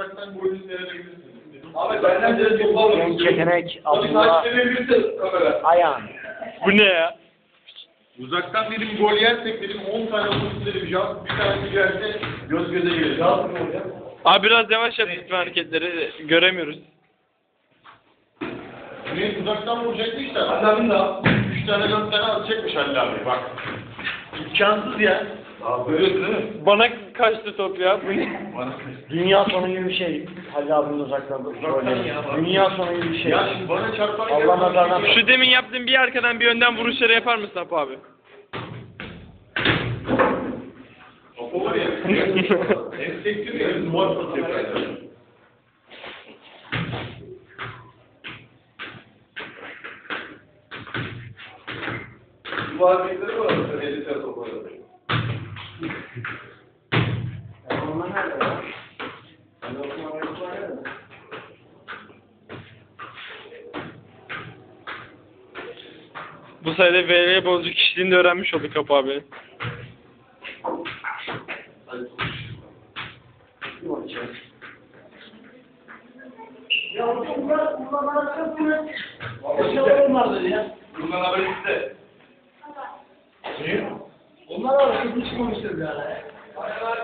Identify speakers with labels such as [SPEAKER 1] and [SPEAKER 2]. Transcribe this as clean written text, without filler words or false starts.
[SPEAKER 1] uzaktan golünü seyredebilirsiniz.
[SPEAKER 2] Abi benden de topu
[SPEAKER 3] Genç yetenek
[SPEAKER 2] Abdullah.
[SPEAKER 3] Abdullah
[SPEAKER 2] Taşlayabilirsin kamera.
[SPEAKER 3] Ayhan.
[SPEAKER 4] Bu ne ya?
[SPEAKER 1] Uzaktan dedim gol yersek dedim 10 tane vursun dedim. Jant bir tane gelse göz göze gelir. Jant mı oluyor?
[SPEAKER 4] Abi biraz yavaş yap lütfen hareketleri. Göremiyoruz.
[SPEAKER 1] Ne uzaktan vuracaktı işte.
[SPEAKER 2] Hadi abim daha.
[SPEAKER 1] 3 tane 4 tane atacakmış Halil abi bak. İmkansız ya.
[SPEAKER 2] Abi görüyorsun değil mi?
[SPEAKER 4] Bana kaçtı top ya. Bu ne?
[SPEAKER 3] Dünya sonu gibi bir şey. Halil abinin uzaktan
[SPEAKER 1] Uzaktan ya, bak.
[SPEAKER 3] Dünya sonu gibi bir şey.
[SPEAKER 1] Ya şimdi bana çarpan
[SPEAKER 3] Allah nazardan-
[SPEAKER 4] Şu demin yaptığın bir arkadan bir önden vuruşları yapar mısın Apo abi?
[SPEAKER 1] O var ya. Hem sektir ya hem duvar satıyor.
[SPEAKER 2] Bu hareketleri var. Sen 50 tane topu var.
[SPEAKER 3] Onlar nerede ya? Onlar nerede?
[SPEAKER 4] Bu sayede VL bozucu kişiliğini de öğrenmiş olduk Apo abi.
[SPEAKER 3] Ya bunlar arasında
[SPEAKER 2] Bunlar ya. Bunlar haberi size.
[SPEAKER 3] onlar arasında hiç konuşuyor yani.